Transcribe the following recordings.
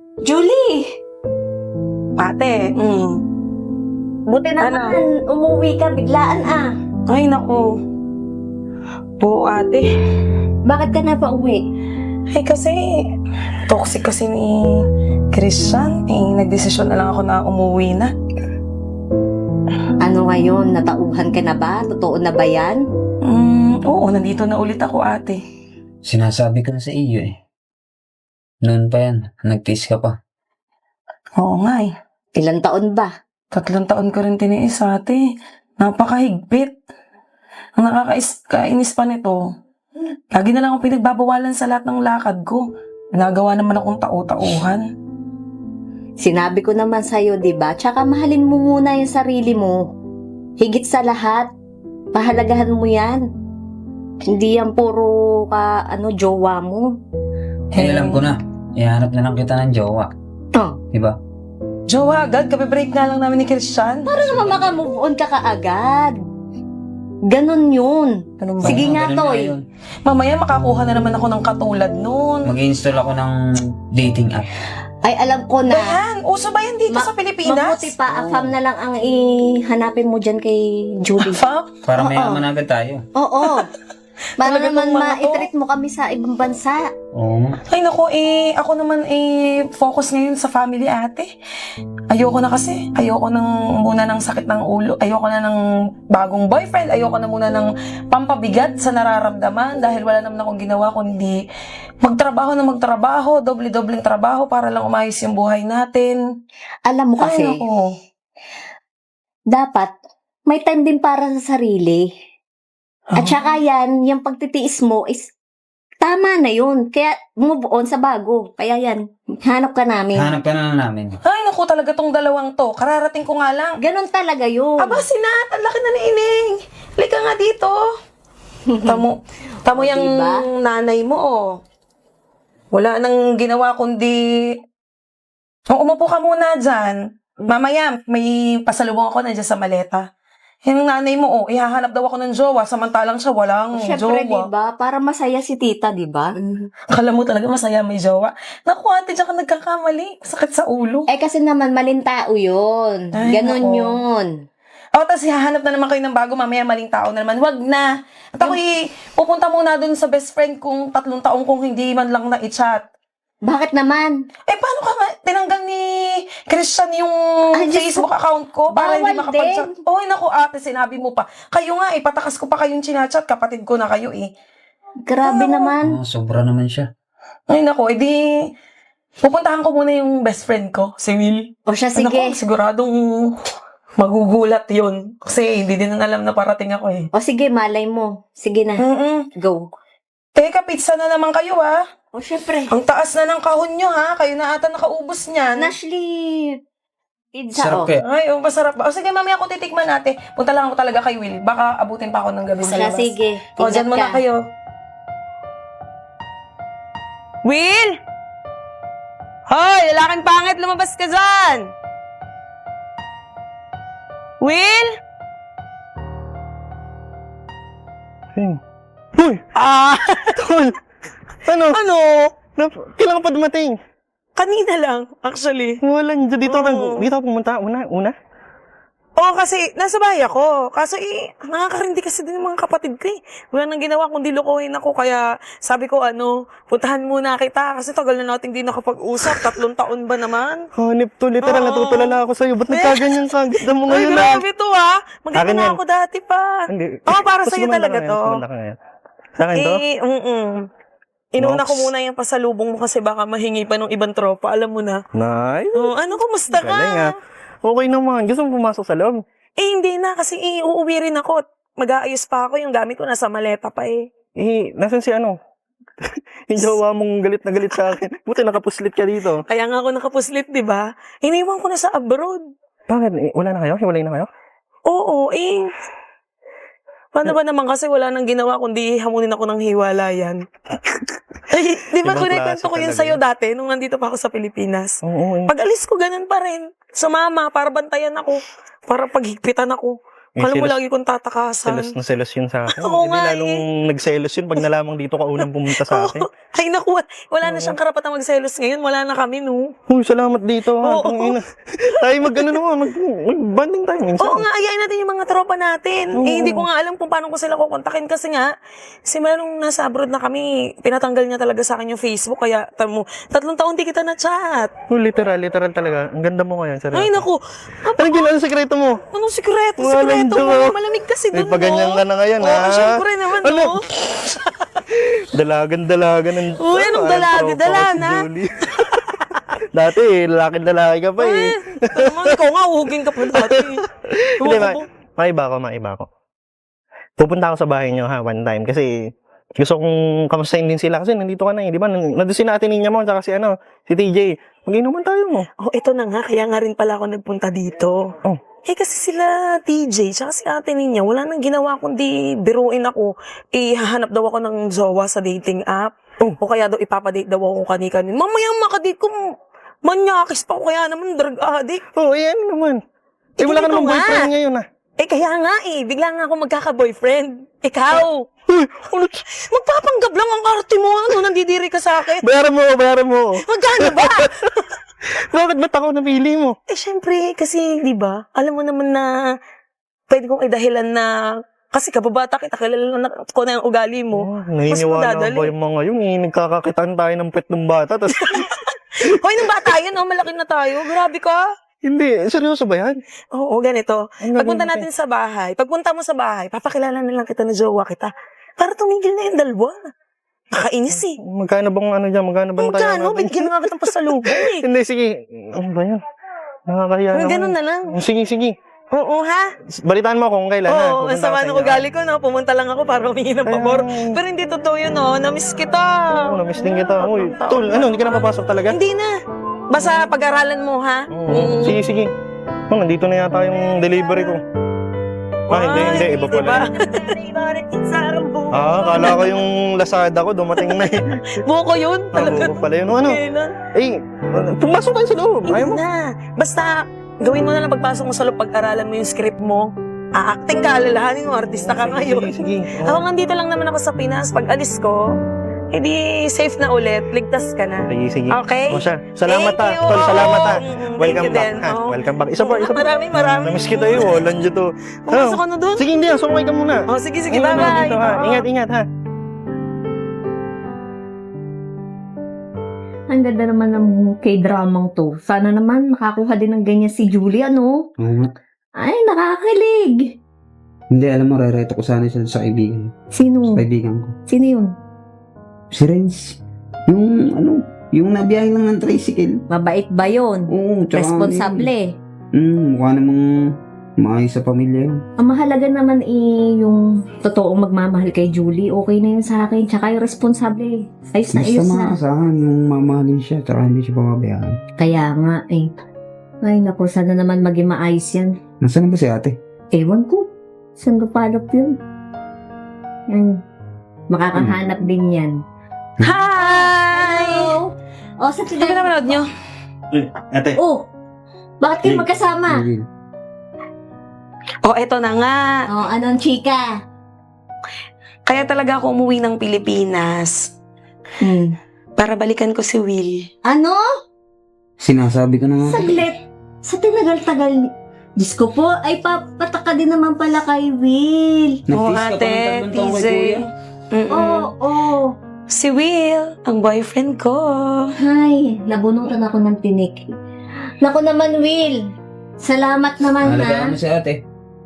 Julie! Ate, Buti naman, umuwi ka biglaan Ay, naku. Oo, ate. Bakit ka na pa uwi? Ay, kasi toxic kasi ni Christian. Nagdesisyon na lang ako na umuwi na. Ano ngayon, natauhan ka na ba? Totoo na ba yan? Oo, nandito na ulit ako, ate. Sinasabi ko na sa iyo eh. Noon pa yan, nagtiis ka pa. Oo nga eh. Ilang taon ba? 3 taon ko rin tiniis, ate. Napakahigpit. Ang nakakainis pa nito, lagi na lang akong pinagbabawalan sa lahat ng lakad ko. Nagawa naman akong tau-tauhan. Sinabi ko naman sa'yo, di ba? Tsaka mahalin mo muna yung sarili mo. Higit sa lahat, pahalagahan mo yan. Hindi yan puro jowa mo. Eh, alam ko na. Ihanap na lang kita ng jowa. Oh. Diba? Jowa agad, kape-break nga lang namin ni Christian. Para naman makamove on ka kaagad. Ganon yun. Ganun ba? Sige Ganun nga, na Toy. yun. Mamaya makakuha na naman ako ng katulad nun. Mag-install ako ng dating app. Ay, alam ko na. Ayan, uso ba yan dito sa Pilipinas? Mabuti pa, afam na lang ang ihanapin mo dyan kay Julie. Fuck. Para Oo. mayaman agad tayo. Oo. Para Talaga naman tong mga to. ma-treat mo kami sa ibang bansa. Oo. Ay naku, ako naman focus ngayon sa family, ate. Ayoko na kasi. Ayoko muna ng sakit ng ulo. Ayoko na ng bagong boyfriend. Ayoko na muna ng pampabigat sa nararamdaman dahil wala naman akong ginawa kundi magtrabaho, doble-dobleng trabaho para lang umayos yung buhay natin. Alam mo kasi, Ay naku. dapat may time din para sa sarili. At saka yan, yung pagtitiis mo is tama na yun. Kaya move on sa bago. Kaya yan, hanap ka namin. Hanap ka na namin. Ay naku, talaga tong dalawang to. Kararating ko nga lang. Ganon talaga yun. Aba, Sinat, ang laki na ni Ining. Halika nga dito. Tamo yung diba? nanay mo, oh. Wala nang ginawa kundi... umupo ka muna dyan. Mamaya, may pasalubong ako nandiyan sa maleta. Yung nanay mo, oh, ihahanap daw ako ng jowa, samantalang siya walang Siyempre, jowa. diba? Para masaya si tita, diba? Akala mo talaga masaya may jowa. Naku, ate, dyan ka nagkakamali. Sakit sa ulo. Eh kasi naman, maling tao yun. Ay, Ganon nako. yun. O, tapos hahanap na naman kayo ng bago, mamaya maling tao na naman. Wag na. At ako pupunta muna dun sa best friend kong 3 taong kung hindi man lang na-chat. Bakit naman? Eh, paano ka nga tinanggal ni Christian yung Ay, Diyos Facebook account ko para hindi bawal makapag-chat? Oy, naku ate, sinabi mo pa. Kayo nga, patakas ko pa kayong chinachat. Kapatid ko na kayo, eh. Grabe naman. Sobra naman siya. Ay, naku, edi pupuntahan ko muna yung best friend ko, si Will. O siya, Ay, naku, sige. siguradong magugulat yun. Kasi hindi din na alam na parating ako, eh. O sige, malay mo. Sige na. Go. Teka, pizza na naman kayo, ha? O syempre. Ang taas na ng kahon nyo, ha? Kayo na ata nakaubos niyan. Ashley, pizza, Sarap o. kaya. Ay, masarap ba? O sige, mamaya ako titikman natin. Punta lang ako talaga kay Will. Baka abutin pa ako ng gabi O sa siya, labas. sige. O, dyan Ingat muna ka. kayo. Will! Hoy, lalaking pangit, lumabas ka dyan! Will? Uy! Ah, Tol! Ano? ano? Kailan ka pa dumating? Kanina lang, actually. Walang dito Oo. dito ako pumunta una. Oo, kasi nasa bahay ako. Kaso nakakarindi kasi din yung mga kapatid ko eh. Wala nang ginawa kundi lokohin ako. Kaya sabi ko, puntahan muna kita. Kasi tagal na natin di nakapag-usap. 3 taon ba naman? Hanip to, literal Oo. natutulala ako sa'yo. Ba't nagkaganyan ka? Ganda mo Ay, ngayon grabe to ha. Maganda Akin na yan. ako dati pa. Hindi. Oo, para Mas sa'yo gumanda talaga ka to. ngayon, gumanda ka ngayon. Sa akin to? Inuna ko Nox. muna yung pasalubong mo kasi baka mahingi pa ng ibang tropa. Alam mo na. Nice. Oh, kumusta ka? Galing ah. Okay naman. Gusto mo pumasok sa loob? Hindi na kasi uuwi rin ako. Mag-aayos pa ako. Yung gamit ko nasa maleta pa eh. Nasaan si ano? Yung jowa mong galit na galit sa akin. Buti nakapuslit ka dito. Kaya nga ako nakapuslit, di ba? Iniwan ko na sa abroad. Bakit? Wala na kayo? Hiwalay na kayo? Oo, paano ba naman kasi wala nang ginawa kundi hamunin ako ng hiwalayan. Ay, di ba Ibang kunikwento klase ko yun talaga sa'yo yun. dati nung nandito pa ako sa Pilipinas. Oo. Pag alis ko, ganun pa rin. Sumama, para bantayan ako. Para paghigpitan ako. Eh, Alam mo, selos- lagi kong tatakasan. Selos na selos yun sa akin. Oo Hindi nga lalong nagselos yun pag nalamang dito ka unang pumunta sa akin. Ay, naku, wala na siyang karapatang magselos ngayon. Wala na kami, no? Uy, salamat dito ha. Oo. Tangina. Tayo mag-ano naman, mag-banding tayo minsan. Oo nga, ayayin natin yung mga tropa natin. Oo. Eh, hindi ko nga alam kung paano ko sila kukontakin kasi nga, simula nung nasa abroad na kami, pinatanggal niya talaga sa akin yung Facebook, kaya 3 taon di kita na-chat. Oh, literal talaga. Ang ganda mo ngayon, seryoso. Ay, naku, Ano ginawa ang sekreto mo? anong sikreto? Walang Sikreto joke. mo, malamig kasi May dun, paganyan no? ka na ngayon, Oo, ha? syempre naman, Ano? no? Dalagan ng... Uy, anong Parang dalaga? tropa ko Dala si na. Julie. Dati, lalaki ka pa eh. Ito naman, ikaw nga, uhugin ka pa dati. Hindi, maiba ko. Pupunta ako sa bahay niyo ha, one time. Kasi gusto kong kamustahin din sila. Kasi nandito ka na eh. Di ba? Nandun si Ate Ninya mo, tsaka si TJ. Mag-inuman tayo mo. Oh, ito na nga, kaya nga rin pala ako nagpunta dito. Oh. Eh kasi sila TJ, tsaka si ate niya, wala nang ginawa kundi biruin ako. Hahanap daw ako ng jowa sa dating app. Oh. O kaya daw ipapadate daw ako kani-kanin. Mamaya makadate ko, manyakis pa ako, kaya naman drug addict. Oo, eh ano naman. Eh wala ka Tingin ko namang nga. boyfriend ngayon ah. Eh kaya nga bigla nga ako magkaka-boyfriend. Ikaw, Uy, ano? magpapanggap lang ang arte mo, nandidiri ka sa akin. Bayaran mo. Magkano ba? Bakit ba't ako napili mo? Eh, syempre, kasi, di ba, alam mo naman na pwede kong idahilan na kasi kababata kita, kilala na ko na yung ugali mo. Oh, naniniwala madadali. ba yung mga yun eh? Nagkakakitaan tayo ng pet ng bata. Tas, Hoy, nung bata yun, malaki na tayo. Grabe ka. hindi, seryoso ba yan? Oo, ganito. Ang Pagpunta gagawin natin sa bahay, pagpunta mo sa bahay, papakilala na lang kita na jowa kita. Para tumigil na yung dalawa. Nakainis eh. Magkano bang dyan? Magkano ba tayo Magkano? Bigyan na nga kitang pasalubong eh. Hindi, sige. Ano ba yan? Nakakahiya naman. Ganun na lang. Sige. Oo, ha? Balitaan mo ako kung kailan ha. Oo, ang Pupunta sama ako sa ng inyo, ugali ko, no? Pumunta lang ako para humingi ng pabor. Ayun. Pero hindi totoo yun, no? Namiss kita. Oo, namiss din kita. Uy, tol, hindi ka na papasok talaga? Hindi na. Basta pag-aralan mo, ha? Oo. Sige. Oh, nandito na yata yung delivery ko. Hindi. Iba pala. Kala ko yung Lazada ko, dumating na eh. Buko yun. Talaga. Pala yun. Ano? Kailan? Eh, pumasok tayo sa loob. Ayaw mo? Hindi na. Basta, gawin mo na lang pagpasok mo sa loob, pag-aralan mo yung script mo. Acting ka, alalahanin mo, artista ka ngayon. Sige. Ako nandito lang naman ako sa Pinas. Pag alis ko, edi safe na ulit. Ligtas ka na. Sige. Okay? O siya. Salamat Thank you. Tol, salamat ha. Thank Welcome you back din. ha. Oo. Welcome back. Isa pa. Maraming. Namiss kita yun. Walang dito. Pumasok ka na doon. Sige, hindi. Sumay ka muna. Oh, sige, Oo, bye-bye. dito, ha. Oo. Ingat ha. Ang ganda naman ng K-dramang to. Sana naman makakuha din ng ganyan si Julie, ano? Oo nga. Ay, nakakilig. Hindi, alam mo, rereto ko sana siya sa kaibigan. Sino? Sa kaibigan ko. Sino yun? Si Renz. Yung nabiyahe lang ng tricycle. Mabait ba yun? Oo, tsaka Responsable. mukha namang maayos sa pamilya yun. Ang mahalaga naman yung totoong magmamahal kay Julie. Okay na yun sa akin. Tsaka yung responsable. Ayos na, Basta ayos na. maasahan yung mamahalin siya, tsaka hindi siya pamabayaan. Kaya nga eh. Ay naku, sana naman maging maayos yan. Nasaan na ba si ate? Ewan ko. Saan kapalap yun? Ay, makakahanap din yan. Hi! O, sa Ano ba napanood nyo? Ate. Oh, bakit kayo magkasama? Hindi. Oh, eto na nga. Oh, anong chika? Kaya talaga ako umuwi ng Pilipinas. Para balikan ko si Will. Ano? Sinasabi ko na nga. Saglit. Sa tinagal-tagal. Diyos ko po, ay papataka din naman pala kay Will. Oo, Nag-tease ka pa ng ate, tatlong taon kay teaser. kuya. Oo. Si Will, ang boyfriend ko. Ay, nabunutan ako ng tinik. Naku naman, Will. Salamat naman, Alagaan ha. mo si ate.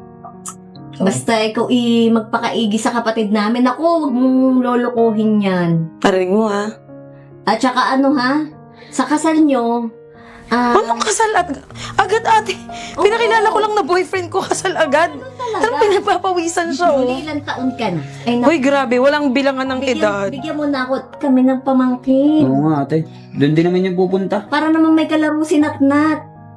Basta ikaw magpakaigi sa kapatid namin. Ako, huwag mong lolokohin yan. Parinig mo, ha? At saka ano, ha? Sa kasal nyo, Anong kasal agad, ate? Pinakilala ko lang na boyfriend ko, kasal agad. Parang pinagpapawisan siya, oh. Julie, ilang taon ka na? Ay, Uy, grabe, walang bilangan ng edad. Bigyan mo na ako kami ng pamangkin. Oo nga ate. Doon din naman yung pupunta. Para naman may kalaro si Natnat.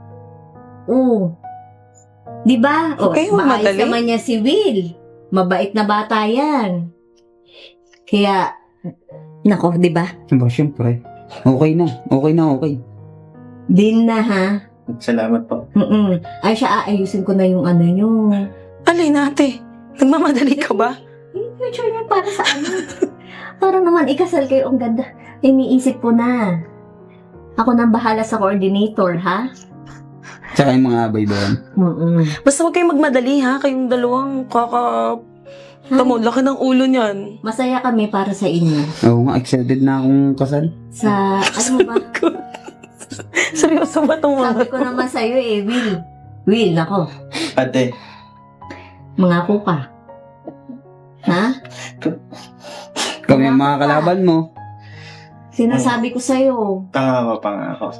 Oo. Di ba? Okay, maayos madali. naman niya si Will. Mabait na bata yan. Kaya, nako, di ba? Ba, syempre. Okay na. Din na, ha? Salamat po. Ay, siya, aayusin ko na yung ano nyo. Alin ate? Nagmamadali ka ba? Yung future niya para sa ano? Para naman ikasal kayo, ang ganda. Iniisip ko na. Ako nang bahala sa coordinator, ha? Tsaka yung mga abay doon. Basta huwag kayong magmadali ha. Kayong dalawang Tamo, laki ng ulo niyan. Masaya kami para sa inyo. Oo nga, excited na akong kasal. Sa, ano ba? Seryoso ba itong Sabi mga ko naman sa'yo eh, Will. Will, ako. Ate, Mangako ka. Ha? Kami ang mga kalaban mo. Sinasabi ko sa'yo. pangako.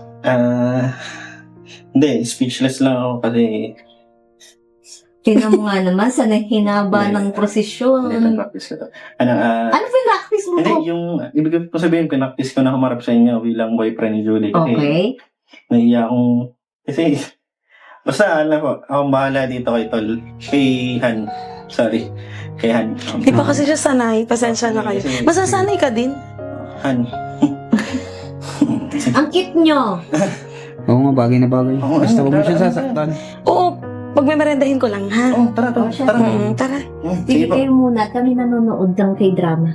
Hindi, speechless lang ako kasi Tingnan mo nga naman sa hinaba ng prosesyon. practice ko to. Ano Ano pinractice mo hindi, ko? yung, ibig ko sabihin, pinaktis ko na humarap sa inyo bilang boyfriend ni Julie. Kasi, Okay. nahiya akong, kasi, basta, alam ko, akong bahala dito kay Tol. Kay Han. Sorry. Kay Han. Di pa kasi siya sanay. Pasensya na kayo. Masasanay ka din. Han. Ang cute nyo. Oo nga, bagay na bagay. Oo, Basta huwag mo tara, siya tara. sasaktan. Oo, pagmemerendahin ko lang ha. Oh, tara, Oh, siya. tara. Tara. Sige kayo muna. Kami nanonood ng K-drama.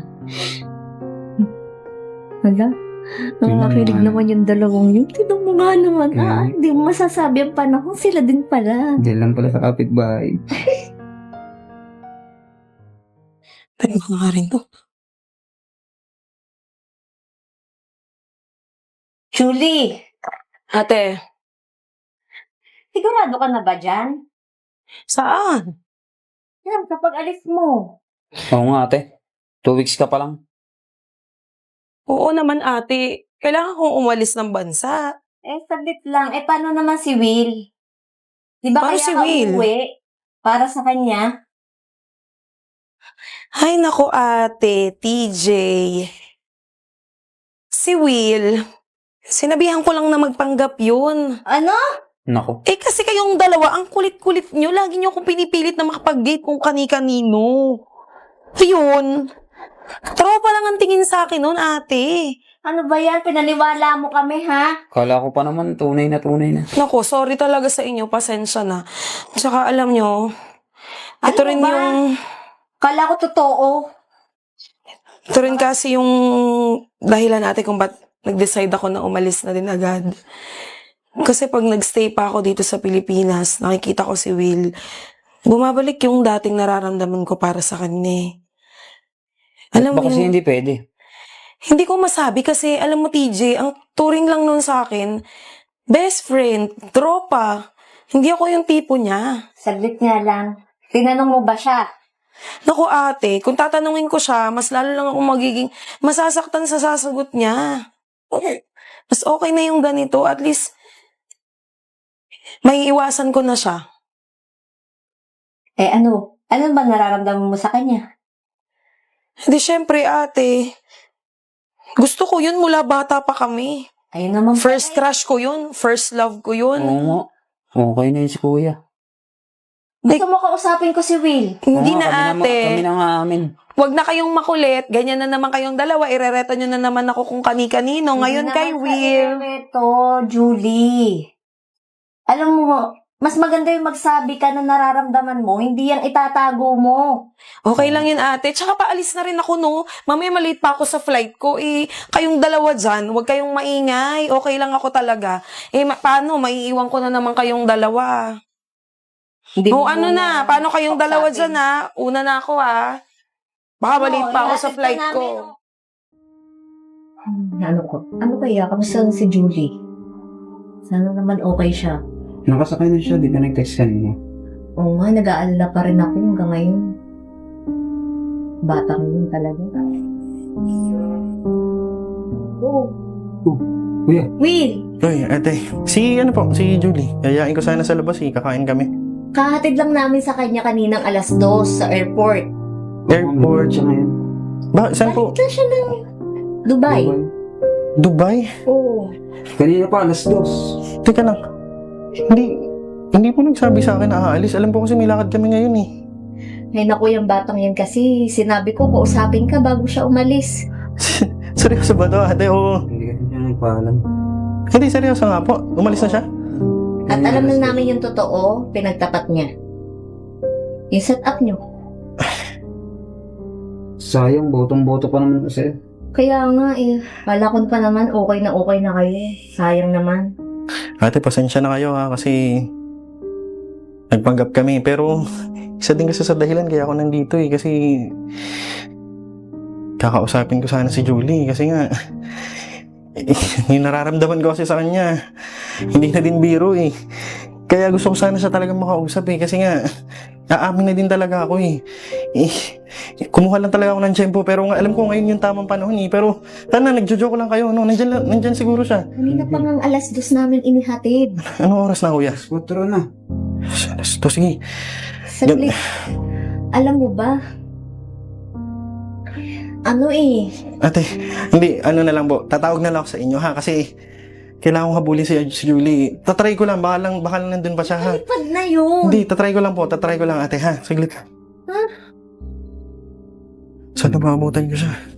Hala? Nakakakilig naman. naman yung dalawang yun. Tignan mo nga naman. Mm. Hindi mo masasabi ang panahon. Sila din pala. Diyan lang pala sa kapitbahay. Tayo ko nga rin to. Julie! Ate, Sigurado ka na ba dyan? saan? Yan, kapag alis mo. Oo nga ate. 2 weeks ka pa lang. Oo naman ate. Kailangan kong umalis ng bansa. Eh, saglit lang. Eh, paano naman si Will? Di ba Paano kaya si ka Will? uuwi? Para sa kanya? Ay nako ate, TJ. Si Will, sinabihan ko lang na magpanggap yun. Ano? Nako. Eh kasi kayong dalawa, ang kulit-kulit nyo. Lagi nyo akong pinipilit na makapag-date kung kani-kanino. Yun. Tropa lang ang tingin sa akin nun, ate. Ano ba yan? Pinaniwala mo kami, ha? Kala ko pa naman, tunay na tunay na. Nako, sorry talaga sa inyo. Pasensya na. Tsaka alam nyo, ito Ano rin ba? yung... Kala ko totoo. Ito rin kasi yung dahilan natin kung ba't nag-decide ako na umalis na din agad. Kasi pag nagstay pa ako dito sa Pilipinas, nakikita ko si Will, bumabalik yung dating nararamdaman ko para sa kanya. Alam mo Baka kasi yun, hindi pwede. hindi ko masabi kasi, alam mo TJ, ang turing lang nun sa akin, best friend, tropa, hindi ako yung tipo niya. Saglit nga lang. Tinanong mo ba siya? Naku ate, kung tatanungin ko siya, mas lalo lang ako magiging masasaktan sa sasagot niya. Mas okay na yung ganito, at least, may iwasan ko na siya. Eh, ano? Ano ba nararamdaman mo sa kanya? Hindi, syempre ate, gusto ko yun mula bata pa kami. Ayun naman First pala. crush ko yun, first love ko yun. Oo nga. Okay na yun si kuya. Gusto mo kausapin ko si Will? Hindi Oo na nga, ate. Kami na nga amin. Huwag na kayong makulit, ganyan na naman kayong dalawa, irereto nyo na naman ako kung kani-kanino. Ngayon kay Will. Ito, Julie. Alam mo, mas maganda yung magsabi ka na nararamdaman mo, hindi yung itatago mo. Okay lang yun ate. Tsaka paalis na rin ako no. Mamaya maliit pa ako sa flight ko. Eh, kayong dalawa dyan, huwag kayong maingay. Okay lang ako talaga. Eh, paano? Maiiwan ko na naman kayong dalawa. Hindi O mo ano muna na, paano kayong dalawa kausapin. dyan ha? Una na ako ha. Baka maliit pa ako sa ihatid ka flight ko. namin, Ano ko? Ano kaya? Kamusta si Julie? Sana naman okay siya. Nakasakay na siya, di ka nag-text kanina. Oo nga, nag-aalala pa rin ako hanggang ngayon. Batang yun talaga. Oh, Kuya, Will! Uy, ate. Si Julie. Yayain ko sana sa labas kakain kami. Kahatid lang namin sa kanya kaninang 2:00 sa airport. Airport. siya ngayon. Saan po? Balik na siya ng Dubai. Dubai? Oo. Kanina pa, 2:00. Teka lang. Hindi po nagsabi sa akin na aalis. Alam po kasi may lakad kami ngayon eh. Ay naku, yung batang yan kasi sinabi ko kausapin ka bago siya umalis. Seryoso ba to, ate? Oo. Hindi kasi siya nagpaalam. Hindi, seryoso nga po. Umalis na siya? At alam na namin yung totoo, pinagtapat niya. Yung setup nyo. Sayang, botong-boto pa naman kasi. Kaya nga eh, kala ko pa naman okay na kayo eh. Sayang naman. Ate, pasensya na kayo ha, kasi nagpanggap kami. Pero isa din kasi sa dahilan kaya ako nandito eh, kasi kakausapin ko sana si Julie. Kasi nga, yung nararamdaman ko kasi sa kanya, hindi na din biro eh. Kaya gusto ko sana siya talagang makausap eh, kasi nga, aamin na din talaga ako eh. Kumuha lang talaga ako ng tiyempo, pero nga, alam ko ngayon yung tamang panahon eh. Pero, tana, nagjo-joke lang kayo, no? Nandyan siguro siya. Kanina pa ngang 2:00 namin inihatid. Anong oras na, kuya? Skutro na. To, sige. Saglit. Alam mo ba? Ano eh, Ate, hindi, ano na lang po, tatawag na lang ako sa inyo ha, kasi kailangan kong habulin si Julie. Tatry ko lang, baka lang nandun pa siya ha. lipad na yun. Hindi, tatry ko lang ate ha, saglit. Ha? Sana maabutan ko siya.